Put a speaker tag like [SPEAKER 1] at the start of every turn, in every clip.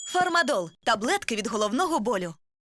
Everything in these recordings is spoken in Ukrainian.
[SPEAKER 1] Фармадол – таблетки від головного болю.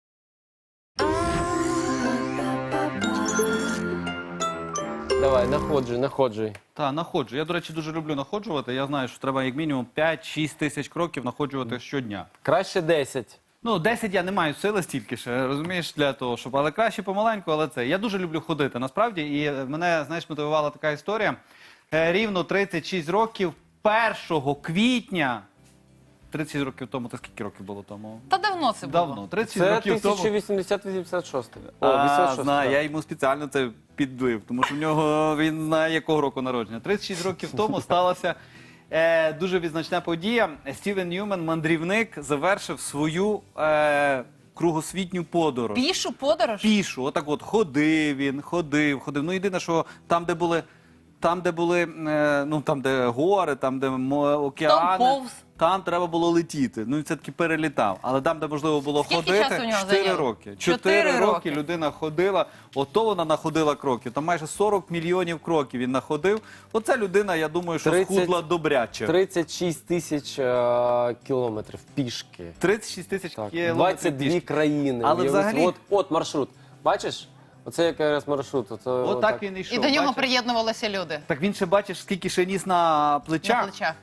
[SPEAKER 2] Давай, находжуй.
[SPEAKER 3] Так, находжу. Я, до речі, дуже люблю находжувати. Я знаю, що треба як мінімум 5-6 тисяч кроків находжувати щодня.
[SPEAKER 2] Краще 10.
[SPEAKER 3] Ну, 10 я не маю сили стільки ще, розумієш, для того, щоб... Але краще помаленьку, але це. Я дуже люблю ходити, насправді. І мене, знаєш, мотивувала така історія. Рівно 36 років, 1 квітня... 36 років тому, то скільки років було тому?
[SPEAKER 4] Та давно це було.
[SPEAKER 3] Давно, 36
[SPEAKER 2] Це
[SPEAKER 3] років тому.
[SPEAKER 2] 1086. О, 86.
[SPEAKER 3] Знаю, я йому спеціально це підбив, тому що в нього він знає, якого року народження. 36 років тому сталася дуже відзначна подія. Стівен Ньюмен, мандрівник, завершив свою кругосвітню подорож.
[SPEAKER 4] Пішу подорож?
[SPEAKER 3] Пішу, отак от ходив він, ходив. Ну, єдине, що там, де були, ну, там, де гори, там, де океани,
[SPEAKER 4] повз.
[SPEAKER 3] там треба було летіти. Ну, і це таки перелітав. Але там, де можливо було
[SPEAKER 4] Скільки
[SPEAKER 3] ходити,
[SPEAKER 4] часу у нього
[SPEAKER 3] 4
[SPEAKER 4] зайняло?
[SPEAKER 3] роки.
[SPEAKER 4] 4
[SPEAKER 3] 4 роки
[SPEAKER 4] роки
[SPEAKER 3] людина ходила, ото вона находила кроків. Там майже 40 мільйонів кроків він находив. Оця людина, я думаю, що
[SPEAKER 2] 30
[SPEAKER 3] схудла добряче.
[SPEAKER 2] 36 тисяч кілометрів пішки.
[SPEAKER 3] 36 тисяч
[SPEAKER 2] Так,
[SPEAKER 3] кілометрів
[SPEAKER 2] 22
[SPEAKER 3] пішки.
[SPEAKER 2] країни.
[SPEAKER 3] Але
[SPEAKER 2] Уяви
[SPEAKER 3] взагалі-
[SPEAKER 2] собі. От маршрут. Бачиш? Оце якраз маршрут.
[SPEAKER 3] Отак він йшов.
[SPEAKER 4] І до нього
[SPEAKER 3] бачиш?
[SPEAKER 4] приєднувалися люди
[SPEAKER 3] Так він ще бачиш, скільки ще ніс на плечах.
[SPEAKER 4] на плечах.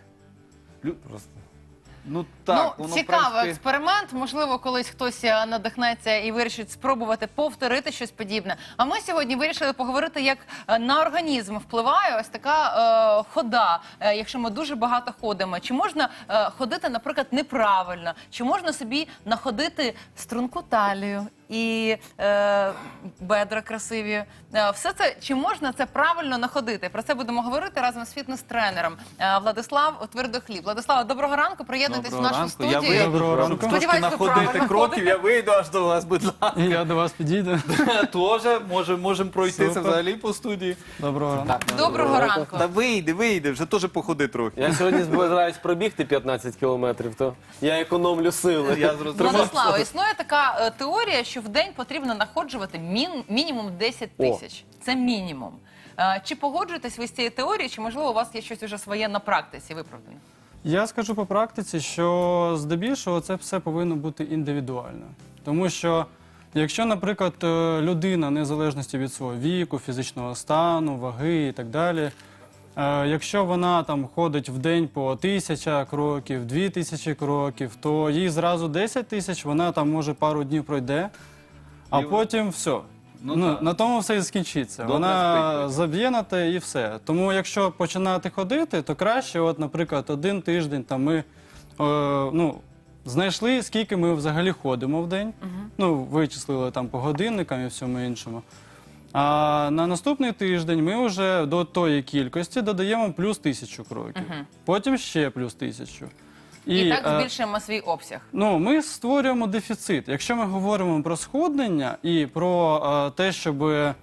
[SPEAKER 3] Ну так,
[SPEAKER 4] Ну,
[SPEAKER 3] воно,
[SPEAKER 4] цікавий
[SPEAKER 3] в принципі...
[SPEAKER 4] експеримент. Можливо, колись хтось надихнеться і вирішить спробувати повторити щось подібне. А ми сьогодні вирішили поговорити, як на організм впливає ось така хода, якщо ми дуже багато ходимо. Чи можна ходити, наприклад, неправильно? Чи можна собі находити струнку талію і бедра красиві? Все це, чи можна це правильно находити? Про це будемо говорити разом з фітнес-тренером Владислав Твердохліб. Владислав, доброго ранку, приєднуйтесь в нашу студію.
[SPEAKER 3] Я вийду,
[SPEAKER 5] Доброго
[SPEAKER 3] щоб
[SPEAKER 5] ранку.
[SPEAKER 3] трошки
[SPEAKER 4] Сподіваюсь, ви
[SPEAKER 3] находити
[SPEAKER 4] правильно
[SPEAKER 3] кроків,
[SPEAKER 4] ходите.
[SPEAKER 3] я вийду аж до вас, будь ласка.
[SPEAKER 5] І я до вас підійду.
[SPEAKER 3] Тоже можемо пройтися
[SPEAKER 5] Супер.
[SPEAKER 3] взагалі по студії.
[SPEAKER 5] Доброго ранку.
[SPEAKER 4] Доброго ранку.
[SPEAKER 3] Та вийди, вже теж походи трохи.
[SPEAKER 2] Я сьогодні збираюсь пробігти 15 кілометрів, то я економлю сили.
[SPEAKER 3] Я зрозумів.
[SPEAKER 4] Владислава, існує така теорія, що в день потрібно находжувати мінімум 10 тисяч. Це мінімум. Чи погоджуєтесь ви з цією теорією, чи, можливо, у вас є щось уже своє на практиці виправдане?
[SPEAKER 5] Я скажу по практиці, що здебільшого це все повинно бути індивідуально. Тому що, якщо, наприклад, людина, незалежності від свого віку, фізичного стану, ваги і так далі, якщо вона там ходить в день по 1000 кроків, 2000 кроків, то їй зразу 10 тисяч, вона там може пару днів пройде, а потім все.
[SPEAKER 3] Ну, так.
[SPEAKER 5] На тому все і скінчиться.
[SPEAKER 3] Добре
[SPEAKER 5] Вона
[SPEAKER 3] спить.
[SPEAKER 5] заб'є на те і все. Тому якщо починати ходити, то краще, от, наприклад, 1 тиждень там ми знайшли, скільки ми взагалі ходимо в день. Ну, вичислили там по годинникам і всьому іншому. А на наступний тиждень ми вже до тої кількості додаємо плюс 1000 кроків. Потім ще плюс 1000.
[SPEAKER 4] І так збільшуємо свій обсяг.
[SPEAKER 5] Ну, ми створюємо дефіцит. Якщо ми говоримо про схуднення і про те, щоб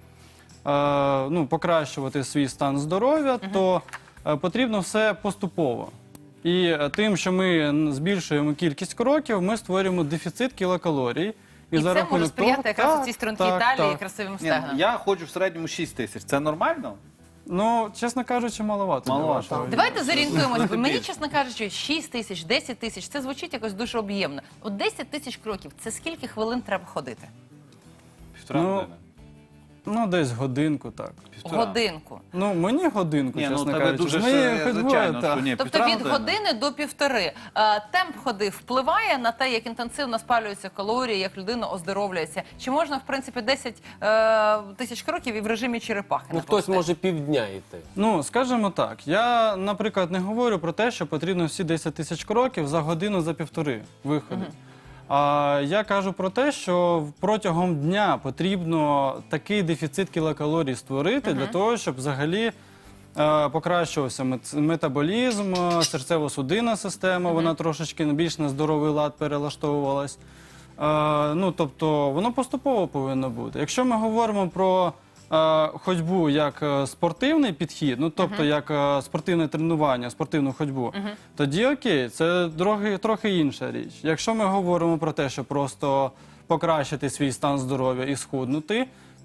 [SPEAKER 5] покращувати свій стан здоров'я, то потрібно все поступово. І тим, що ми збільшуємо кількість кроків, ми створюємо дефіцит кілокалорій.
[SPEAKER 4] І це може сприяти якраз цій стрункій талії і красивим
[SPEAKER 3] Ні,
[SPEAKER 4] стегнам.
[SPEAKER 3] я ходжу в середньому 6 тисяч. Це нормально?
[SPEAKER 5] Ну, чесно кажучи, маловато.
[SPEAKER 3] Маловато.
[SPEAKER 5] для вашого
[SPEAKER 4] Давайте зорієнтуємося, бо мені,
[SPEAKER 3] Більше.
[SPEAKER 4] чесно кажучи, 6 тисяч, 10 тисяч, це звучить якось дуже об'ємно. От 10 тисяч кроків, це скільки хвилин треба ходити?
[SPEAKER 3] Півтора
[SPEAKER 5] Ну,
[SPEAKER 3] години.
[SPEAKER 5] Ну, десь годинку, так.
[SPEAKER 3] Півтора.
[SPEAKER 4] Годинку.
[SPEAKER 5] Ну, мені годинку,
[SPEAKER 3] Ні, ну
[SPEAKER 5] чесно
[SPEAKER 3] тебе
[SPEAKER 5] кажучи.
[SPEAKER 3] дуже
[SPEAKER 5] З моєю
[SPEAKER 3] ще,
[SPEAKER 5] ходьбою,
[SPEAKER 3] звичайно,
[SPEAKER 5] так.
[SPEAKER 3] що ні,
[SPEAKER 4] Тобто
[SPEAKER 3] півтора
[SPEAKER 4] від
[SPEAKER 3] години.
[SPEAKER 4] години до півтори. Темп ходи впливає на те, як інтенсивно спалюються калорії, як людина оздоровлюється? Чи можна, в принципі, 10 тисяч кроків і в режимі черепахи?
[SPEAKER 2] Ну, хтось може півдня йти.
[SPEAKER 5] Ну, скажімо так, я, наприклад, не говорю про те, що потрібно всі 10 тисяч кроків за годину, за півтори виходить. А я кажу про те, що протягом дня потрібно такий дефіцит кілокалорій створити для того, щоб взагалі покращувався метаболізм, серцево-судинна система, вона трошечки більш на здоровий лад перелаштовувалась. Ну, тобто, воно поступово повинно бути. Якщо ми говоримо про ходьбу як спортивний підхід, ну тобто як спортивне тренування, спортивну ходьбу, тоді окей, це трохи інша річ. Якщо ми говоримо про те, що просто покращити свій стан здоров'я і схуднути,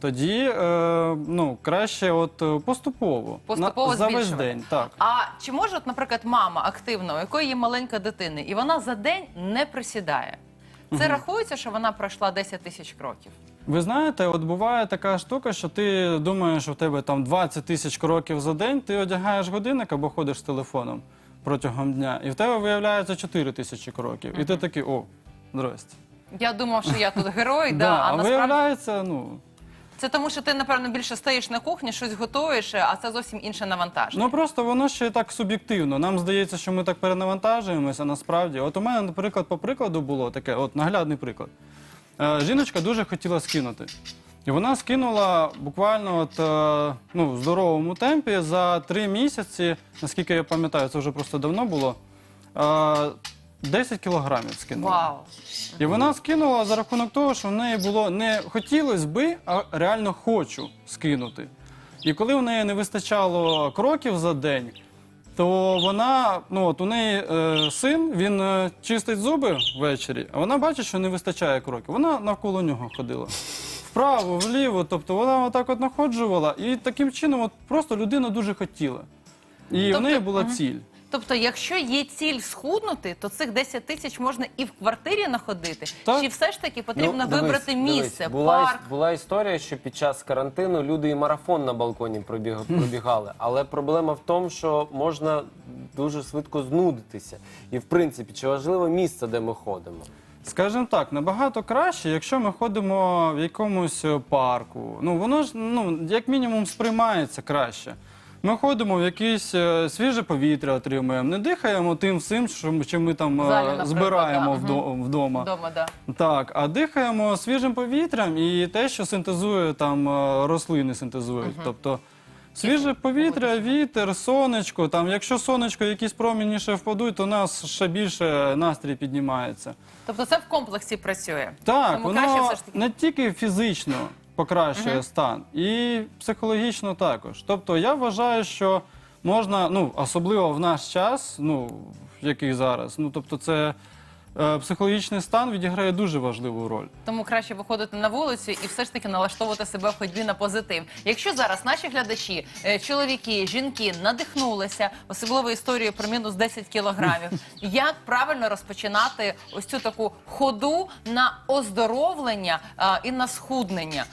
[SPEAKER 5] тоді краще поступово.
[SPEAKER 4] Поступово
[SPEAKER 5] за весь
[SPEAKER 4] збільшувати.
[SPEAKER 5] день. Так.
[SPEAKER 4] А чи може, наприклад, мама активна, у якої є маленька дитина, і вона за день не присідає? Це рахується, що вона пройшла 10 тисяч кроків?
[SPEAKER 5] Ви знаєте, от буває така штука, що ти думаєш, що в тебе там 20 тисяч кроків за день, ти одягаєш годинник або ходиш з телефоном протягом дня, і в тебе виявляється 4 тисячі кроків. І ти такий, здрасте.
[SPEAKER 4] Я думав, що я тут герой,
[SPEAKER 5] Да,
[SPEAKER 4] а
[SPEAKER 5] а
[SPEAKER 4] насправді...
[SPEAKER 5] виявляється,
[SPEAKER 4] Це тому, що ти, напевно, більше стоїш на кухні, щось готуєш, а це зовсім інше навантаження.
[SPEAKER 5] просто воно ще так суб'єктивно. Нам здається, що ми так перенавантажуємося, насправді. От у мене, наприклад, по прикладу було таке, наглядний приклад. Жіночка дуже хотіла скинути. І вона скинула буквально в здоровому темпі за 3 місяці, наскільки я пам'ятаю, це вже просто давно було, 10 кілограмів скинула.
[SPEAKER 4] Вау!
[SPEAKER 5] І вона скинула за рахунок того, що в неї було не хотілося би, а реально хочу скинути. І коли в неї не вистачало кроків за день, то вона, у неї син, він чистить зуби ввечері, а вона бачить, що не вистачає кроків. Вона навколо нього ходила. Вправо, вліво, тобто вона отак находжувала. І таким чином просто людина дуже хотіла. І в неї була ціль.
[SPEAKER 4] Тобто, якщо є ціль схуднути, то цих 10 тисяч можна і в квартирі находити?
[SPEAKER 5] Так.
[SPEAKER 4] Чи все ж таки потрібно
[SPEAKER 2] Дивись,
[SPEAKER 4] вибрати місце,
[SPEAKER 2] Була,
[SPEAKER 4] парк?
[SPEAKER 2] була історія, що під час карантину люди і марафон на балконі пробігали. Але проблема в тому, що можна дуже швидко знудитися. І, в принципі, чи важливо місце, де ми ходимо?
[SPEAKER 5] Скажімо так, набагато краще, якщо ми ходимо в якомусь парку. Воно ж, як мінімум, сприймається краще. Ми ходимо в якесь свіже повітря отримуємо, не дихаємо тим всім, що ми там
[SPEAKER 4] В залі, наприклад,
[SPEAKER 5] збираємо
[SPEAKER 4] да.
[SPEAKER 5] вдома.
[SPEAKER 4] Вдома, да.
[SPEAKER 5] Так, а дихаємо свіжим повітрям і те, що синтезує там рослини синтезують. Тобто свіже повітря, вітер, сонечко. Там, якщо сонечко якісь промені ще впадуть, то у нас ще більше настрій піднімається.
[SPEAKER 4] Тобто це в комплексі працює?
[SPEAKER 5] Так,
[SPEAKER 4] Тому краще
[SPEAKER 5] воно
[SPEAKER 4] все ж таки...
[SPEAKER 5] не тільки фізично покращує стан, і психологічно також. Тобто я вважаю, що можна, особливо в наш час, який зараз, тобто це психологічний стан відіграє дуже важливу роль.
[SPEAKER 4] Тому краще виходити на вулицю і все ж таки налаштовувати себе в ходьбі на позитив. Якщо зараз наші глядачі, чоловіки, жінки надихнулися, особливо історією про мінус 10 кілограмів, як правильно розпочинати ось цю таку ходу на оздоровлення і на схуднення?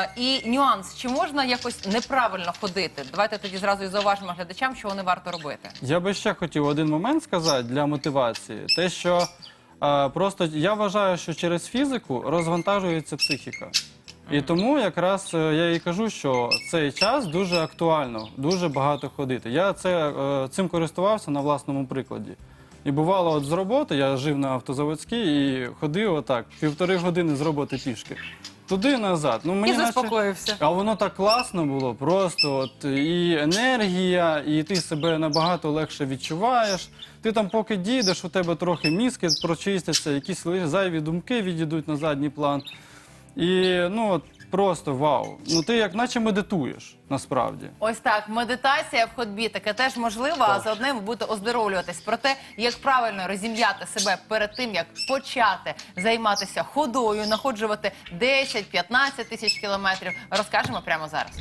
[SPEAKER 4] І нюанс, чи можна якось неправильно ходити? Давайте тоді зразу і зауважимо глядачам, що вони варто робити.
[SPEAKER 5] Я би ще хотів один момент сказати для мотивації. Те, що просто я вважаю, що через фізику розвантажується психіка. І тому якраз я і кажу, що цей час дуже актуально, дуже багато ходити. Я цим користувався на власному прикладі. І бувало з роботи, я жив на Автозаводській і ходив отак, 1,5 години з роботи пішки. Туди-назад.
[SPEAKER 4] І заспокоївся.
[SPEAKER 5] А воно так класно було, просто і енергія, і ти себе набагато легше відчуваєш. Ти там поки дійдеш, у тебе трохи мізки прочистяться, якісь зайві думки відійдуть на задній план. І просто вау. Ти як наче медитуєш, насправді.
[SPEAKER 4] Ось так, медитація в ходьбі, таке теж можливо, а заодно ви будете оздоровлюватись. Про те, як правильно розім'яти себе перед тим, як почати займатися ходою, находжувати 10-15 тисяч кілометрів, розкажемо прямо зараз.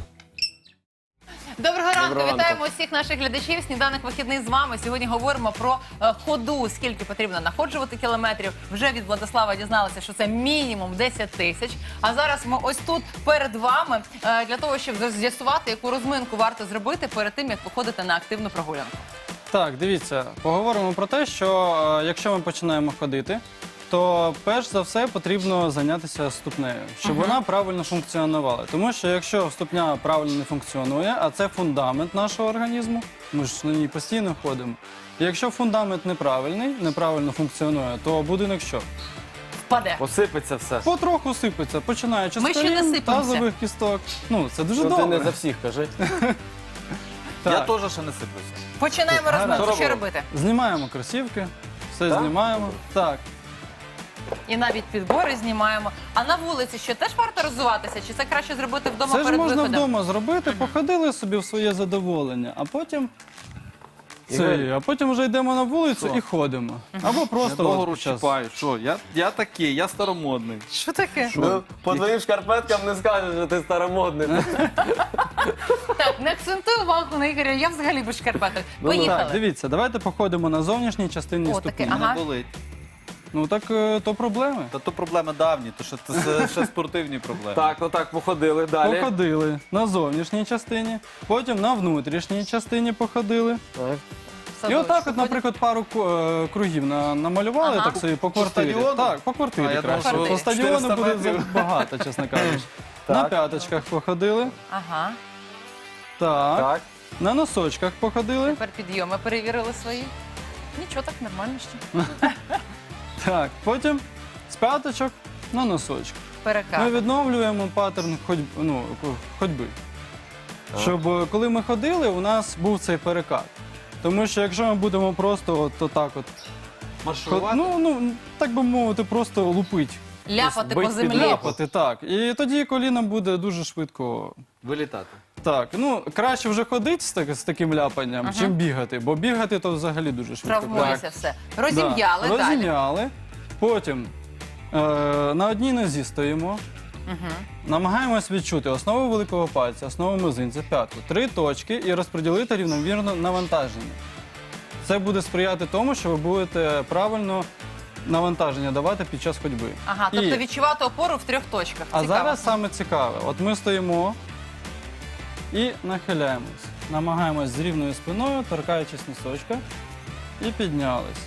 [SPEAKER 4] Доброго ранку, вітаємо усіх наших глядачів. Сніданок вихідний з вами. Сьогодні говоримо про ходу, скільки потрібно находжувати кілометрів. Вже від Владислава дізналися, що це мінімум 10 тисяч. А зараз ми ось тут перед вами для того, щоб з'ясувати, яку розминку варто зробити перед тим, як виходити на активну прогулянку.
[SPEAKER 5] Так, дивіться, поговоримо про те, що якщо ми починаємо ходити, то перш за все потрібно зайнятися ступнею, щоб вона правильно функціонувала. Тому що якщо ступня правильно не функціонує, а це фундамент нашого організму, ми ж на ній постійно ходимо. І якщо фундамент неправильний, неправильно функціонує, то будинок що?
[SPEAKER 4] Впаде.
[SPEAKER 2] Посипеться все.
[SPEAKER 5] Потроху сипеться, починаючи
[SPEAKER 4] Ми
[SPEAKER 5] з
[SPEAKER 4] ще не
[SPEAKER 5] колін,
[SPEAKER 4] сипемося.
[SPEAKER 5] тазових кісток. Це дуже
[SPEAKER 2] Ти
[SPEAKER 5] добре.
[SPEAKER 2] не за всіх кажи.
[SPEAKER 5] Так.
[SPEAKER 3] Я теж ще не сиплюся.
[SPEAKER 4] Починаємо розминку.
[SPEAKER 2] Що
[SPEAKER 4] Що
[SPEAKER 2] робимо?
[SPEAKER 4] робити?
[SPEAKER 5] Знімаємо кросівки, все
[SPEAKER 2] Так?
[SPEAKER 5] знімаємо. Так.
[SPEAKER 4] І навіть підбори знімаємо. А на вулиці що, теж варто розвиватися? Чи це краще зробити вдома
[SPEAKER 5] Це ж
[SPEAKER 4] перед
[SPEAKER 5] можна
[SPEAKER 4] виходом?
[SPEAKER 5] вдома зробити, походили собі в своє задоволення, а потім А потім вже йдемо на вулицю і ходимо. Або
[SPEAKER 3] Я
[SPEAKER 5] просто
[SPEAKER 3] довго
[SPEAKER 5] от під час-
[SPEAKER 3] розчіпаю. Що? Я такий, я старомодний.
[SPEAKER 4] Що таке?
[SPEAKER 2] Ну, по твоїм шкарпеткам не скажеш, що ти старомодний.
[SPEAKER 4] Так, не акцентуй увагу на Ігоря, я взагалі без шкарпеток.
[SPEAKER 5] Так,
[SPEAKER 4] Поїхали.
[SPEAKER 5] дивіться, давайте походимо на зовнішній частині
[SPEAKER 4] О,
[SPEAKER 5] ступні.
[SPEAKER 4] таке, ага.
[SPEAKER 3] Не болить.
[SPEAKER 5] Ну так то проблеми.
[SPEAKER 3] Та то проблеми давні, то що це ще спортивні проблеми.
[SPEAKER 2] Так, отак, походили далі.
[SPEAKER 5] Походили на зовнішній частині, потім на внутрішній частині походили.
[SPEAKER 2] Так.
[SPEAKER 5] І
[SPEAKER 4] Садочок.
[SPEAKER 5] отак, от, наприклад, пару кругів намалювали
[SPEAKER 4] Ага.
[SPEAKER 5] так собі по квартирі.
[SPEAKER 3] стадіону?
[SPEAKER 5] Так, по
[SPEAKER 3] А,
[SPEAKER 5] квартирі
[SPEAKER 3] я думав,
[SPEAKER 5] краще.
[SPEAKER 4] що
[SPEAKER 5] По стадіону
[SPEAKER 3] 400
[SPEAKER 5] буде
[SPEAKER 3] метрів.
[SPEAKER 5] багато, чесно кажучи. На п'яточках походили.
[SPEAKER 4] Ага.
[SPEAKER 5] Так.
[SPEAKER 2] Так.
[SPEAKER 5] На носочках походили.
[SPEAKER 4] Тепер підйоми перевірили свої. Нічого, так нормально ще.
[SPEAKER 5] Так. Потім з п'яточок на носочки. Ми
[SPEAKER 4] Перекат.
[SPEAKER 5] відновлюємо паттерн ходьби. Щоб коли ми ходили, у нас був цей перекат. Тому що якщо ми будемо просто отак от,
[SPEAKER 3] Маршрувати?
[SPEAKER 5] так би мовити, просто лупить.
[SPEAKER 4] Ляпати по
[SPEAKER 2] бить
[SPEAKER 4] землі.
[SPEAKER 2] під
[SPEAKER 5] Ляпати, так. І тоді коліна буде дуже швидко.
[SPEAKER 3] Вилітати.
[SPEAKER 5] Так, краще вже ходити з таким ляпанням, чим бігати, бо бігати то взагалі дуже швидко.
[SPEAKER 4] Травмується все. Розім'яли
[SPEAKER 5] Да.
[SPEAKER 4] далі.
[SPEAKER 5] Розім'яли. Потім на одній нозі стоїмо. Намагаємось відчути основу великого пальця, основу мизинця, п'ятку, 3 точки і розподілити рівномірно навантаження. Це буде сприяти тому, що ви будете правильно навантаження давати під час ходьби.
[SPEAKER 4] Ага, тобто
[SPEAKER 5] І-
[SPEAKER 4] відчувати опору в 3 точках.
[SPEAKER 5] А
[SPEAKER 4] Цікаво.
[SPEAKER 5] зараз саме цікаве. От ми стоїмо і нахиляємось. Намагаємось з рівною спиною, торкаючись носочка, і піднялись.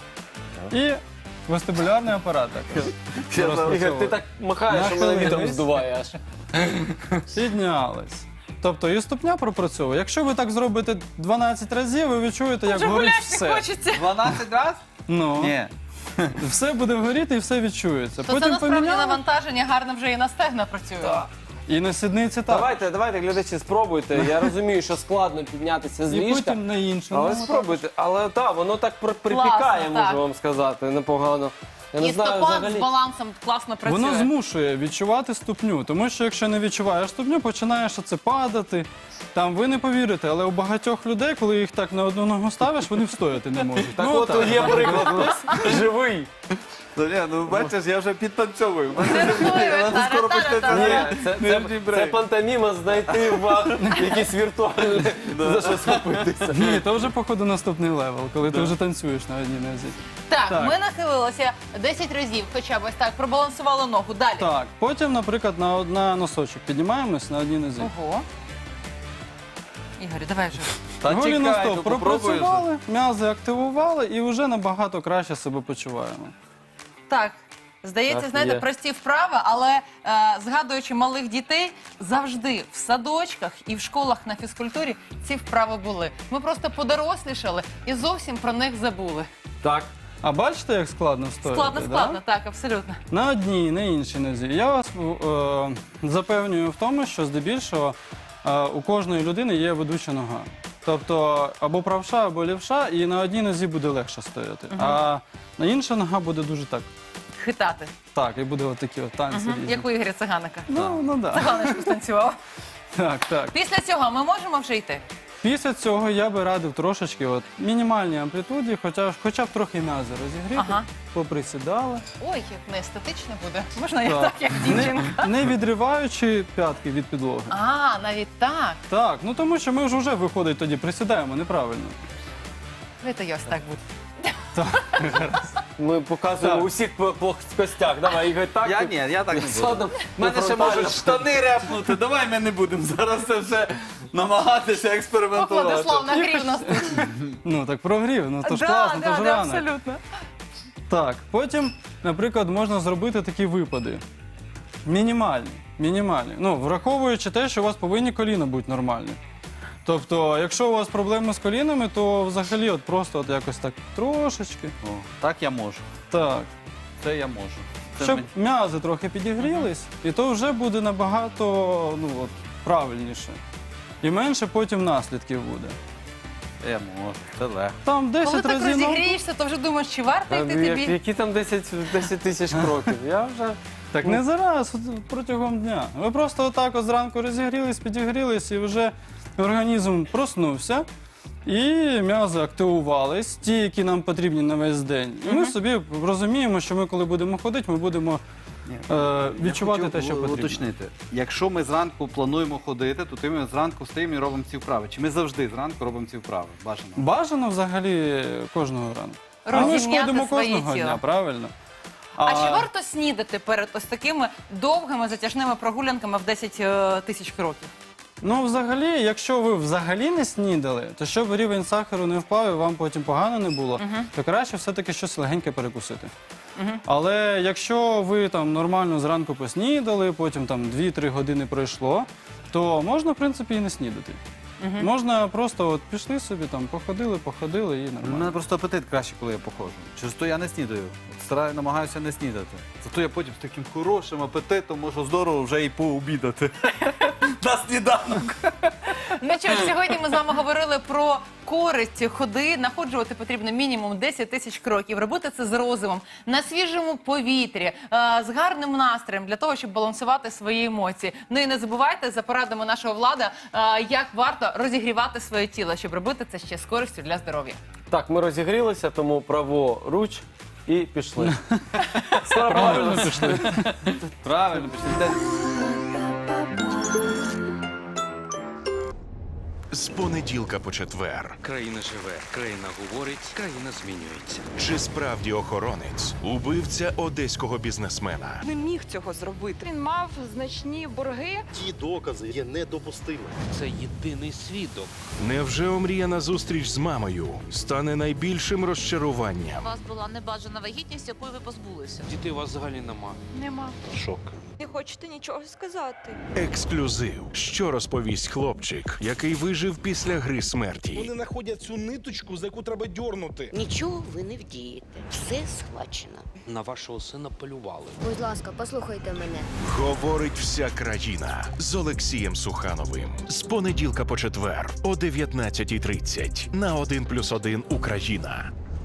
[SPEAKER 5] І вестибулярний апарат також.
[SPEAKER 2] Ігор, ти так махаєш, що мене
[SPEAKER 5] Нахилились.
[SPEAKER 2] вітром здуває аж.
[SPEAKER 5] Піднялись. Тобто і ступня пропрацьовує. Якщо ви так зробите 12 разів, ви відчуєте, як
[SPEAKER 4] Вже
[SPEAKER 5] горить
[SPEAKER 4] гуляти
[SPEAKER 5] все.
[SPEAKER 4] хочеться.
[SPEAKER 3] 12 разів?
[SPEAKER 5] Ну,
[SPEAKER 3] Ні.
[SPEAKER 5] все буде горіти і все відчується.
[SPEAKER 4] То це насправді навантаження гарно вже і на стегна працює.
[SPEAKER 5] і на сідниці так.
[SPEAKER 2] Давайте, глядачі, спробуйте. Я розумію, що складно піднятися з
[SPEAKER 5] І
[SPEAKER 2] ліжка.
[SPEAKER 5] потім на іншому.
[SPEAKER 2] Але спробуйте. Але так, воно так припікає,
[SPEAKER 4] Класно, так.
[SPEAKER 2] можу вам сказати, непогано. Я не
[SPEAKER 4] І
[SPEAKER 2] знаю
[SPEAKER 4] стопа з
[SPEAKER 2] взагалі.
[SPEAKER 4] балансом класно працює.
[SPEAKER 5] Воно змушує відчувати ступню, тому що якщо не відчуваєш ступню, починаєш оце падати. Там ви не повірите, але у багатьох людей, коли їх так на одну ногу ставиш, вони встояти не можуть.
[SPEAKER 2] Так от
[SPEAKER 5] так.
[SPEAKER 2] є приклад. Живий.
[SPEAKER 3] Бачиш, я вже підтанцьовую.
[SPEAKER 4] Скоро
[SPEAKER 2] Ні,
[SPEAKER 3] Нижній брейк.
[SPEAKER 2] це пантоміма знайти вам якісь віртуальні за що схопитися.
[SPEAKER 5] Ні, то вже походу наступний левел, коли ти вже танцюєш на одній нозі.
[SPEAKER 4] Так,
[SPEAKER 5] Так.
[SPEAKER 4] ми нахилилися 10 разів, хоча б ось так, пробалансували ногу. Далі.
[SPEAKER 5] Так, потім, наприклад, на носочок піднімаємось на одній нозі.
[SPEAKER 4] Ого. Ігор, давай вже.
[SPEAKER 3] Та
[SPEAKER 5] Голі
[SPEAKER 3] чекай,
[SPEAKER 5] на
[SPEAKER 3] ну
[SPEAKER 5] стоп
[SPEAKER 3] попробуй вже.
[SPEAKER 5] пропрацювали, м'язи активували і вже набагато краще себе почуваємо.
[SPEAKER 4] Так. Здається,
[SPEAKER 2] Так,
[SPEAKER 4] знаєте,
[SPEAKER 2] є.
[SPEAKER 4] прості вправи, але згадуючи малих дітей, завжди в садочках і в школах на фізкультурі ці вправи були. Ми просто подорослішали і зовсім про них забули.
[SPEAKER 2] Так.
[SPEAKER 5] А бачите, як складно встояти?
[SPEAKER 4] Складно, так, абсолютно.
[SPEAKER 5] На одній, на іншій нозі. Я вас запевнюю в тому, що здебільшого у кожної людини є ведуча нога. Тобто або правша, або лівша, і на одній нозі буде легше стояти. А на інша нога буде дуже так.
[SPEAKER 4] Хитати.
[SPEAKER 5] Так, і буде отакі от танці різні.
[SPEAKER 4] Як у Ігоря Циганика.
[SPEAKER 5] Ну да.
[SPEAKER 4] Циганочку станцював.
[SPEAKER 5] Так.
[SPEAKER 4] Після цього ми можемо вже йти?
[SPEAKER 5] Після цього я би радив трошечки мінімальній амплітуді, хоча б трохи м'язи розігріти,
[SPEAKER 4] Ага.
[SPEAKER 5] поприсідали.
[SPEAKER 4] Ой, як неестетично буде. Можна я так, як дівчинка?
[SPEAKER 5] Не відриваючи п'ятки від підлоги.
[SPEAKER 4] А, навіть так.
[SPEAKER 5] Так, тому що ми ж вже виходить тоді, присідаємо неправильно.
[SPEAKER 4] Давайте я ось так буду.
[SPEAKER 2] Ми показуємо усіх плоскостях. Давай, Ігор, так.
[SPEAKER 3] Я ні, я так не буду.
[SPEAKER 2] Ладно,
[SPEAKER 3] У мене ще можуть штани репнути. Давай ми не будемо зараз це все намагатися експериментувати.
[SPEAKER 4] Владислав нагрів нас тут.
[SPEAKER 5] Ну так прогрів, то ж
[SPEAKER 4] Да,
[SPEAKER 5] класно, то ж рано.
[SPEAKER 4] абсолютно.
[SPEAKER 5] Так, потім, наприклад, можна зробити такі випади. Мінімальні. Враховуючи те, що у вас повинні коліна бути нормальні. Тобто, якщо у вас проблеми з колінами, то взагалі просто якось так трошечки.
[SPEAKER 3] О, так я можу.
[SPEAKER 5] Так.
[SPEAKER 3] Це я можу. Це
[SPEAKER 5] Щоб
[SPEAKER 3] мені-
[SPEAKER 5] м'язи трохи підігрілись, і то вже буде набагато правильніше. І менше потім наслідків буде.
[SPEAKER 3] Я можу, це легко.
[SPEAKER 5] Там 10
[SPEAKER 4] Коли так
[SPEAKER 5] разів.
[SPEAKER 4] розігрієшся, то вже думаєш, чи варто йти тобі?
[SPEAKER 2] Які там 10 тисяч кроків? Я вже...
[SPEAKER 5] Так не зараз, протягом дня. Ви просто отак зранку розігрілись, підігрілись, і вже організм проснувся. І м'язи активувались, ті, які нам потрібні на весь день. І ми собі розуміємо, що ми, коли будемо ходити, ми будемо відчувати
[SPEAKER 3] Я
[SPEAKER 5] те, що
[SPEAKER 3] хотів
[SPEAKER 5] потрібно.
[SPEAKER 3] уточнити. Якщо ми зранку плануємо ходити, то ми зранку встаємо і робимо ці вправи. Чи ми завжди зранку робимо ці вправи? Бажано.
[SPEAKER 5] Бажано взагалі кожного ранку. А ми ж
[SPEAKER 4] Розім'яти
[SPEAKER 5] ходимо
[SPEAKER 4] своє
[SPEAKER 5] кожного
[SPEAKER 4] тіло.
[SPEAKER 5] дня, правильно?
[SPEAKER 4] А чи варто снідати перед ось такими довгими затяжними прогулянками в 10 тисяч кроків?
[SPEAKER 5] Ну, взагалі, якщо ви взагалі не снідали, то щоб рівень сахару не впав і вам потім погано не було, то краще все-таки щось легеньке перекусити. Але якщо ви там нормально зранку поснідали, потім там 2-3 години пройшло, то можна, в принципі, і не снідати. Можна просто от пішли собі, там, походили і
[SPEAKER 3] У
[SPEAKER 5] нормально.
[SPEAKER 3] мене просто апетит краще, коли я походжу. Через то я не снідаю. Намагаюся не снідати. Зато я потім з таким хорошим апетитом можу здорово вже і пообідати. На сніданок.
[SPEAKER 4] Ну що ж, сьогодні ми з вами говорили про користь ходи. Находжувати потрібно мінімум 10 тисяч кроків. Робити це з розумом, на свіжому повітрі, з гарним настроєм, для того, щоб балансувати свої емоції. Ну і не забувайте за порадами нашого Влада, як варто розігрівати своє тіло, щоб робити це ще з користю для здоров'я.
[SPEAKER 2] Так, ми розігрілися, тому праворуч і пішли.
[SPEAKER 5] Правильно пішли.
[SPEAKER 3] Правильно, пішли.
[SPEAKER 6] З понеділка по четвер.
[SPEAKER 7] Країна живе, країна говорить, країна змінюється.
[SPEAKER 6] Чи справді охоронець убивця одеського бізнесмена?
[SPEAKER 8] Не міг цього зробити. Він мав значні борги.
[SPEAKER 9] Ті докази є недопустимими.
[SPEAKER 7] Це єдиний свідок.
[SPEAKER 6] Невже омріяна зустріч з мамою стане найбільшим
[SPEAKER 10] У
[SPEAKER 6] розчаруванням?
[SPEAKER 10] вас була небажана вагітність, якої ви позбулися.
[SPEAKER 7] Дітей у вас взагалі нема.
[SPEAKER 8] Нема.
[SPEAKER 9] Шок.
[SPEAKER 8] Не хочете нічого сказати.
[SPEAKER 6] Ексклюзив. Що розповість хлопчик, який вижив після гри смерті?
[SPEAKER 9] Вони знаходять цю ниточку, за яку треба дьорнути.
[SPEAKER 10] Нічого ви не вдієте. Все схвачено.
[SPEAKER 7] На вашого сина полювали.
[SPEAKER 11] Будь ласка, послухайте мене.
[SPEAKER 6] Говорить вся країна з Олексієм Сухановим. З понеділка по четвер о 19:30 на 1+1 Україна.